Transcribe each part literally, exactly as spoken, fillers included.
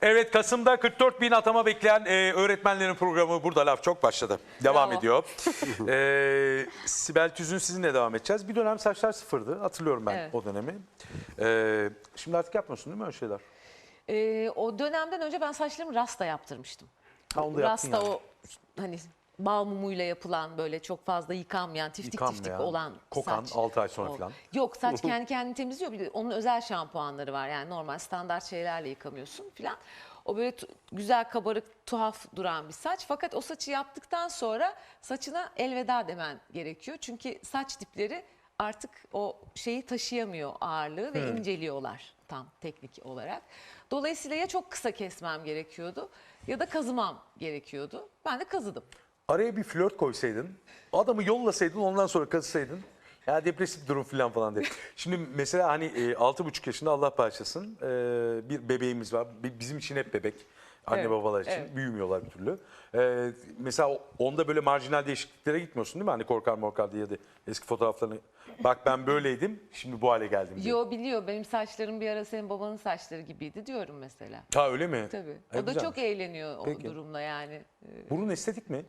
Evet, Kasım'da kırk dört bin atama bekleyen e, öğretmenlerin programı Burada Laf Çok başladı. Devam Bravo. ediyor. e, Sibel Tüzün sizinle devam edeceğiz. Bir dönem saçlar sıfırdı. Hatırlıyorum ben Evet. o dönemi. E, şimdi artık yapmıyorsun değil mi öyle şeyler? Ee, o dönemden önce ben saçlarımı rasta yaptırmıştım. Ha, onu da yaptın Rasta yani. o hani bal mumuyla yapılan böyle çok fazla yıkanmayan, tiftik Yıkanmayan, tiftik olan kokan, saç. altı ay sonra O- falan. Yok, saç kendi kendini temizliyor. Bir de onun özel şampuanları var. Yani normal standart şeylerle yıkamıyorsun falan. O böyle tu- güzel kabarık, tuhaf duran bir saç. Fakat o saçı yaptıktan sonra saçına elveda demen gerekiyor. Çünkü saç dipleri artık o şeyi taşıyamıyor, ağırlığı ve inceliyorlar tam teknik olarak. Dolayısıyla ya çok kısa kesmem gerekiyordu ya da kazımam gerekiyordu. Ben de kazıdım. Araya bir flört koysaydın, adamı yollasaydın, ondan sonra kazısaydın. Ya depresif durum falan falan diye. Şimdi mesela hani e, altı buçuk yaşında, Allah bağışlasın, e, bir bebeğimiz var. Bi- Bizim için hep bebek. Anne Evet, babalar için evet. büyümüyorlar bir türlü. E, mesela onda böyle marjinal değişikliklere gitmiyorsun değil mi? Hani korkar morkar diye de eski fotoğraflarını. Bak ben böyleydim, şimdi bu hale geldim diye. Yo, biliyor, benim saçlarım bir ara senin babanın saçları gibiydi diyorum mesela. Ha öyle mi? Tabii. Ay, O da çok güzelmiş. eğleniyor o Peki. durumla yani. Ee, Burun estetik mi?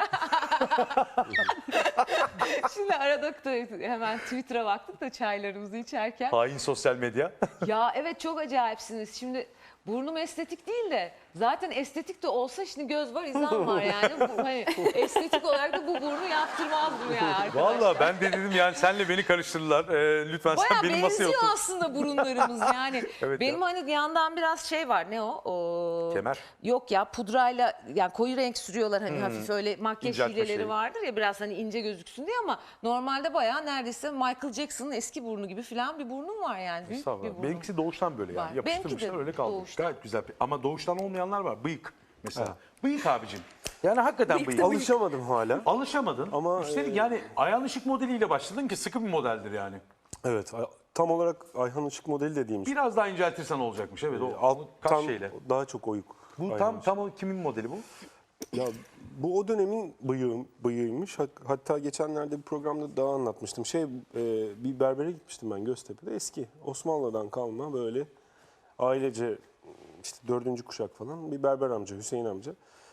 Şimdi arada da hemen Twitter'a baktık da çaylarımızı içerken. Hain sosyal medya. Ya evet, çok acayipsiniz. Şimdi burnum estetik değil de zaten estetik de olsa şimdi göz var, izan var yani. Bu, hani, estetik olarak da bu burnu yaptırmazdım yani arkadaşlar. Vallahi ben de dedim yani senle beni karıştırdılar. Ee, lütfen Bayağı sen benim masaya benziyor otur. aslında burunlarımız yani. Evet Benim ya. hani yandan biraz şey var, ne o? O- Kemer. Yok ya, pudrayla yani koyu renk sürüyorlar hani, hafif öyle makyaj İnceltme hileleri şeyi. vardır ya, biraz hani ince gözüksün diye, ama normalde bayağı neredeyse Michael Jackson'ın eski burnu gibi falan bir burnum var yani. Büyük bir Estağfurullah. burnum. Benimkisi doğuştan böyle Var. yani. Yapıştırmışlar Benimki de öyle kaldı. doğuştan. Gayet güzel. Ama doğuştan olmayanlar var. Bıyık mesela. Bıyık abicim. Yani hakikaten bıyık. Alışamadım hala. Alışamadın. Ama, Üstelik e, yani Ayhan Işık modeliyle başladın ki sıkı bir modeldir yani. Evet, a- tam olarak Ayhan Işık modeli de değilmiş. Biraz daha inceltirsen olacakmış. Evet o kaş Alttan şeyle. daha çok oyuk. Bu Ayhan tam Işık. tam o kimin modeli bu? Ya bu o dönemin bıyığı, bıyığıymış. Hak- Hatta geçenlerde bir programda daha anlatmıştım. Şey, e, bir berbere gitmiştim ben Göztepe'de. Eski Osmanlı'dan kalma böyle ailece işte dördüncü kuşak falan bir berber amca, Hüseyin amca.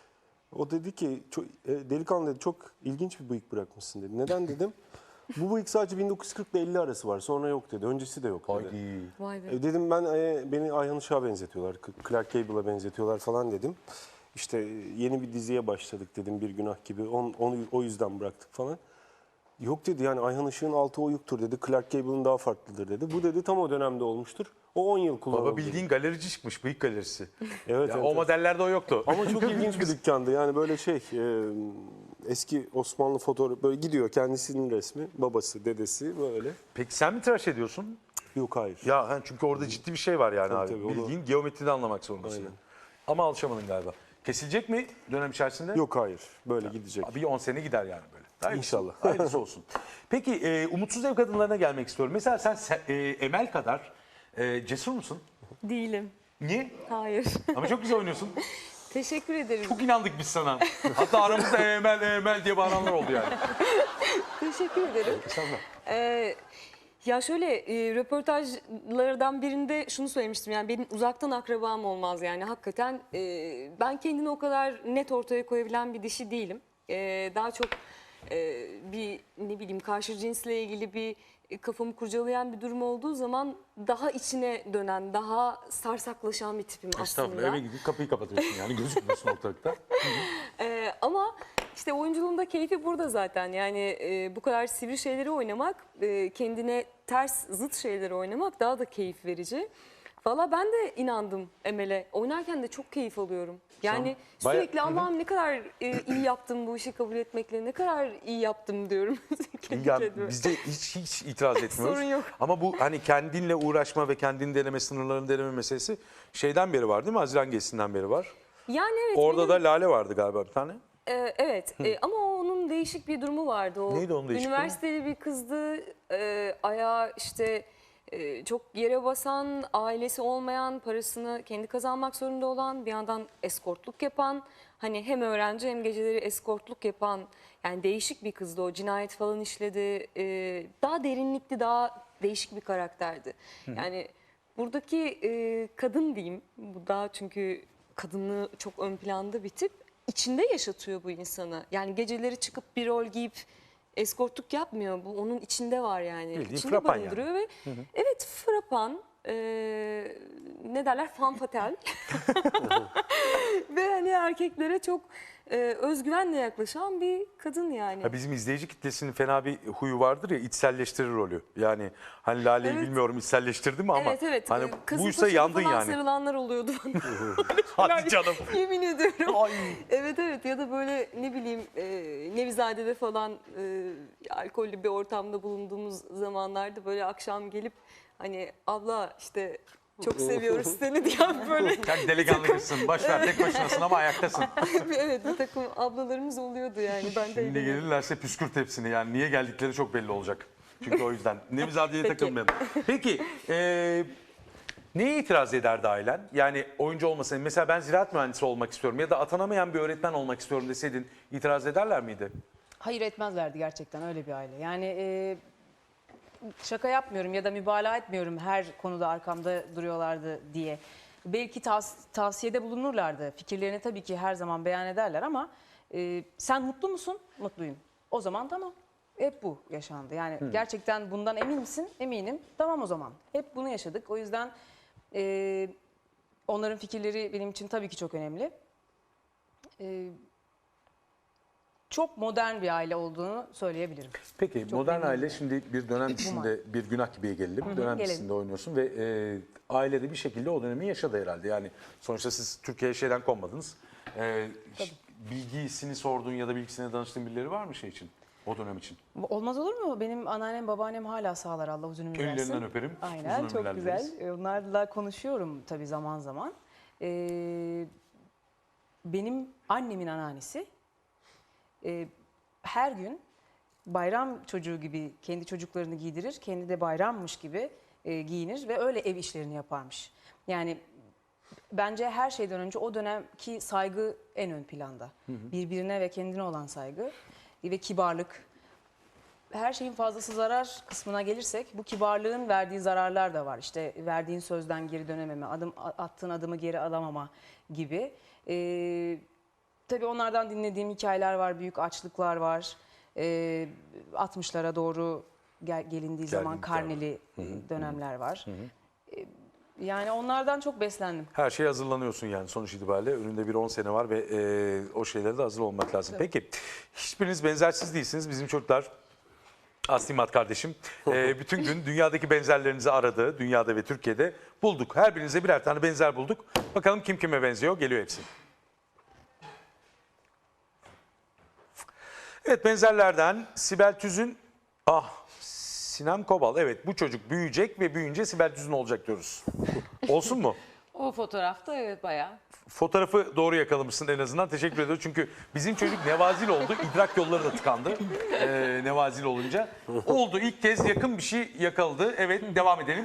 O dedi ki, çok, e, delikanlı dedi, çok ilginç bir bıyık bırakmışsın dedi. Neden dedim. Bu bıyık sadece bin dokuz yüz kırk ile elli arası var. Sonra yok dedi. Öncesi de yok dedi. Haydi. Vay be. E, dedim ben e, beni Ayhan Işık'a benzetiyorlar. K- Clark Gable'a benzetiyorlar falan dedim. İşte e, yeni bir diziye başladık dedim, Bir Günah gibi. On, onu o yüzden bıraktık falan. Yok dedi, yani Ayhan Işık'ın altı oyuktur dedi. Clark Gable'ın daha farklıdır dedi. Bu dedi tam o dönemde olmuştur. O on yıl kullanıldı. Baba bildiğin galerici çıkmış. Bıyık galerisi. Evet, Ya evet, o evet. modellerde o yoktu. Ama çok ilginç bir dükkandı. Yani böyle şey, e, eski Osmanlı fotoğrafı böyle gidiyor, kendisinin resmi, babası, dedesi böyle. Peki sen mi tıraş ediyorsun? Yok, hayır. Ya hani çünkü orada ciddi bir şey var yani Tabii, abi. tabii, onu- Bildiğin geometride anlamak zorundasın. Aynen. Ama alışamadın galiba. Kesilecek mi dönem içerisinde? Yok, hayır. Böyle gidecek. Bir on sene gider yani böyle. Hayırlısı- İnşallah. Hayırlısı olsun. Peki e, umutsuz ev kadınlarına gelmek istiyorum. Mesela sen se- e, Emel kadar e, cesur musun? Değilim. Niye? Hayır. Ama çok güzel oynuyorsun. Teşekkür ederim. Çok inandık biz sana. Hatta aramızda Emel Emel diye bağıranlar oldu yani. Teşekkür ederim. Ee, ya şöyle, e, röportajlardan birinde şunu söylemiştim. Yani benim uzaktan akrabam olmaz yani. Hakikaten e, ben kendini o kadar net ortaya koyabilen bir dişi değilim. E, daha çok e, bir ne bileyim karşı cinsle ilgili bir e, kafamı kurcalayan bir durum olduğu zaman daha içine dönen, daha sarsaklaşan bir tipim Estağfurullah, aslında. eve gidip kapıyı kapatıyorsun yani gözükmüyorsun ortalıkta. Ee, ama işte oyunculuğun da keyfi burada zaten. Yani e, bu kadar sivri şeyleri oynamak, e, kendine ters, zıt şeyleri oynamak daha da keyif verici. Valla ben de inandım Emel'e. Oynarken de çok keyif alıyorum. Yani Sen baya- sürekli Allah'ım ne kadar e, iyi yaptım bu işi kabul etmekle, ne kadar iyi yaptım diyorum. Kendi Ya kendime. biz de hiç, hiç itiraz etmiyoruz. Sorun yok. Ama bu hani kendinle uğraşma ve kendini deneme, sınırlarını deneme meselesi şeyden beri var değil mi? Haziran gezisinden beri var. Yani evet. Orada benim- da Lale vardı galiba bir tane. Ee, evet e, ama onun değişik bir durumu vardı. O Neydi onun değişik üniversiteli bir kızdı. E, ayağı işte e, çok yere basan, ailesi olmayan, parasını kendi kazanmak zorunda olan, bir yandan eskortluk yapan, hani hem öğrenci hem geceleri eskortluk yapan, yani değişik bir kızdı o. Cinayet falan işledi. E, daha derinlikli, daha değişik bir karakterdi. Yani buradaki e, kadın diyeyim, bu daha çünkü kadını çok ön planda bir tip, içinde yaşatıyor bu insanı. Yani geceleri çıkıp bir rol giyip eskortluk yapmıyor. Bu onun içinde var yani. Bildiğin İçinde frapan yani. barındırıyor ve evet, frapan, e, ne derler, fanfatel. Ve hani erkeklere çok e, özgüvenle yaklaşan bir kadın yani. Ha, bizim izleyici kitlesinin fena bir huyu vardır ya, içselleştirir rolü. Yani hani Lale'yi Evet. bilmiyorum içselleştirdi mi ama Evet evet. hani Kızıl buysa saçına yandın falan yani. sarılanlar oluyordu. Hadi canım. Yemin ediyorum. Ay. Evet evet, ya da böyle ne bileyim e, Nevizade'de falan e, alkollü bir ortamda bulunduğumuz zamanlarda böyle akşam gelip hani abla işte çok seviyoruz seni diyen böyle Sen delikanlı kızsın. Boş ver, tek başınasın ama ayaktasın. evet, bir takım ablalarımız oluyordu yani. Ben de Şimdi eğleniyorum. gelirlerse püskürt hepsini, yani niye geldikleri çok belli olacak. Çünkü o yüzden. Nevizade'ye Peki. takılmayalım. Peki e, neye itiraz ederdi ailen? Yani oyuncu olmasın. Mesela ben ziraat mühendisi olmak istiyorum ya da atanamayan bir öğretmen olmak istiyorum deseydin itiraz ederler miydi? Hayır, etmezlerdi gerçekten, öyle bir aile. Yani e, şaka yapmıyorum ya da mübalağa etmiyorum her konuda arkamda duruyorlardı diye. Belki tavs- tavsiyede bulunurlardı. Fikirlerini tabii ki her zaman beyan ederler ama e, sen mutlu musun? Mutluyum. O zaman tamam. Hep bu yaşandı. Yani gerçekten bundan emin misin? Eminim. Tamam o zaman. Hep bunu yaşadık. O yüzden e, onların fikirleri benim için tabii ki çok önemli. E, çok modern bir aile olduğunu söyleyebilirim. Peki Çok modern memnunum aile yani. şimdi bir dönem dizisinde, bir günah gibiye gelelim. Dönem gelelim. dizisinde oynuyorsun ve e, ailede bir şekilde o dönemi yaşadı herhalde. Yani sonuçta siz Türkiye'ye şeyden konmadınız. E, ş- bilgisini sorduğun ya da bilgisine danıştığın birileri var mı şey için? O dönem için. Olmaz olur mu? Benim anneannem, babaannem hala sağlar, Allah uzun ömür versin. Ellerinden öperim. Aynen, Uzun çok ömürler güzel. dileriz. Ee, Onlarla konuşuyorum tabii zaman zaman. Ee, benim annemin anneannesi e, her gün bayram çocuğu gibi kendi çocuklarını giydirir, kendi de bayrammış gibi e, giyinir ve öyle ev işlerini yaparmış. Yani bence her şeyden önce o dönemki saygı en ön planda. Birbirine ve kendine olan saygı ve kibarlık. Her şeyin fazlası zarar kısmına gelirsek bu kibarlığın verdiği zararlar da var. İşte verdiğin sözden geri dönememe, adım attığın adımı geri alamama gibi. Ee, tabii onlardan dinlediğim hikayeler var, büyük açlıklar var. Ee, altmışlara doğru gel, gelindiği zaman Geldiği zaman. karneli e, dönemler var. Ee, yani onlardan çok beslendim. Her şeye hazırlanıyorsun yani sonuç itibariyle. Önünde bir on sene var ve e, o şeylere de hazır olmak lazım. Peki hiçbiriniz benzersiz değilsiniz. Bizim çocuklar, Aslimat kardeşim, e, bütün gün dünyadaki benzerlerinizi aradı. Dünyada ve Türkiye'de bulduk. Her birinize birer tane benzer bulduk. Bakalım kim kime benziyor. Geliyor hepsi. Evet, benzerlerden Sibel Tüzün, ah Sinem Kobal. Evet, bu çocuk büyüyecek ve büyüyünce Sibel Tüzün olacak diyoruz. Olsun mu? O fotoğrafta evet bayağı. Fotoğrafı doğru yakalamışsın en azından. Teşekkür ediyorum. Çünkü bizim çocuk nevazil oldu. İdrak yolları da tıkandı. Ee, nevazil olunca. Oldu. İlk kez yakın bir şey yakaladı. Evet, devam edelim.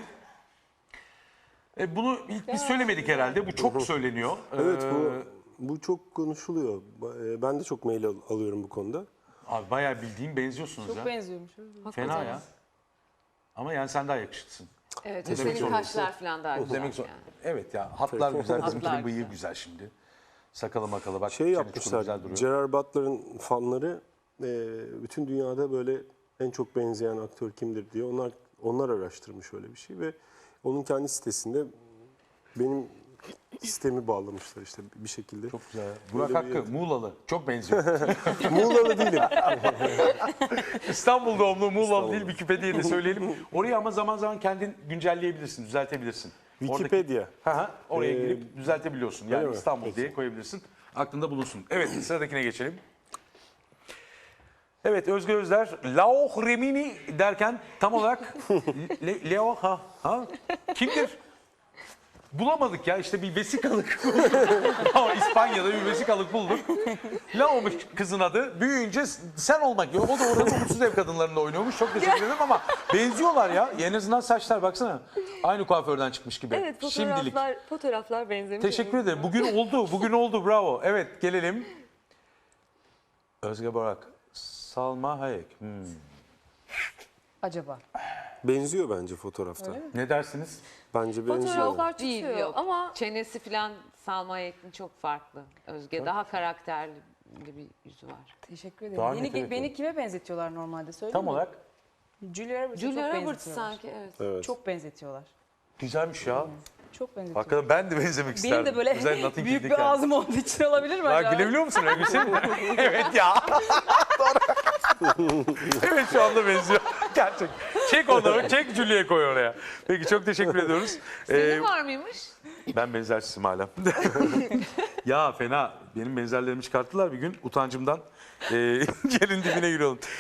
E, bunu ilk biz söylemedik herhalde. Bu çok söyleniyor. Evet, Ee, bu bu çok konuşuluyor. Ba- Ben de çok mail al- alıyorum bu konuda. Abi bayağı bildiğin benziyorsunuz Çok ya. benziyormuş. Fena ya. Ama yani sen daha yakışıklısın. Evet, Demek senin zorundasın. kaşlar falan daha güzel. Demek zor. yani. Evet ya, hatlar güzel. Bizimkinin Hatlar bıyığı güzel. güzel şimdi. Sakalı makalı bak. Şey çene yapmışlar, çukuru güzel duruyor. Gerard Butler'ın fanları e, bütün dünyada böyle en çok benzeyen aktör kimdir diye onlar onlar araştırmış öyle bir şey ve onun kendi sitesinde benim sistemi bağlamışlar işte bir şekilde. Çok güzel. Burak Böyle bir- Hakkı, Muğlalı. Çok benziyor. Muğla'lı değilim. İstanbul doğumlu Muğlalı değil, Wikipedia'ya de söyleyelim. Orayı ama zaman zaman kendin güncelleyebilirsin, düzeltebilirsin. Wikipedia. Oradaki, Hı hı, oraya Ee, girip düzeltebiliyorsun. Yani öyle mi? İstanbul Peki. diye koyabilirsin. Aklında bulunsun. Evet, sıradakine geçelim. Evet, Özge Özler, Lauch Remini derken tam olarak Le, Leo ha, ha kimdir? Bulamadık ya, işte bir vesikalık bulduk. Ama İspanya'da bir vesikalık bulduk. Lao'muş kızın adı. Büyüyünce sen olmak yok. O da orada umutsuz ev kadınlarında oynuyormuş. Çok teşekkür ederim ama benziyorlar ya. En azından saçlar baksana. Aynı kuaförden çıkmış gibi. Evet, Şimdilik. fotoğraflar, fotoğraflar benzemiş. Teşekkür ederim. Bugün oldu. Bugün oldu. Bravo. Evet, gelelim. Özge Borak. Salma Hayek. Hmm. acaba? Benziyor bence fotoğrafta. Ne dersiniz? Bence benziyor. Fotoğraflar Değil, tutuyor yok. ama Çenesi falan Salma Hayek'in çok farklı. Özge daha karakterli bir yüzü var. Teşekkür ederim. Daha Beni, net, evet, beni evet. kime benzetiyorlar normalde söyleyeyim Tam mi? olarak Julia Roberts'a Julia çok Roberts benzetiyorlar. sanki evet. Evet. Çok benzetiyorlar. güzelmiş ya. Çok benzetiyorlar. Hakikaten ben de benzemek isterdim. Benim de böyle Özellikle Notting büyük Hill'deki bir ağzım olduğu için olabilir mi Ya acaba? gülebiliyor musun öyle bir şey mi? Evet ya. Doğru. Evet şu anda benziyor. Gerçek. Çek onu, çek Julia'yı koy oraya. Peki çok teşekkür ediyoruz. Senin Ee, var mıymış? ben benzersizim hala. Ya fena. Benim benzerlerimi çıkarttılar bir gün utancımdan. Ee, yerin dibine giriyorum.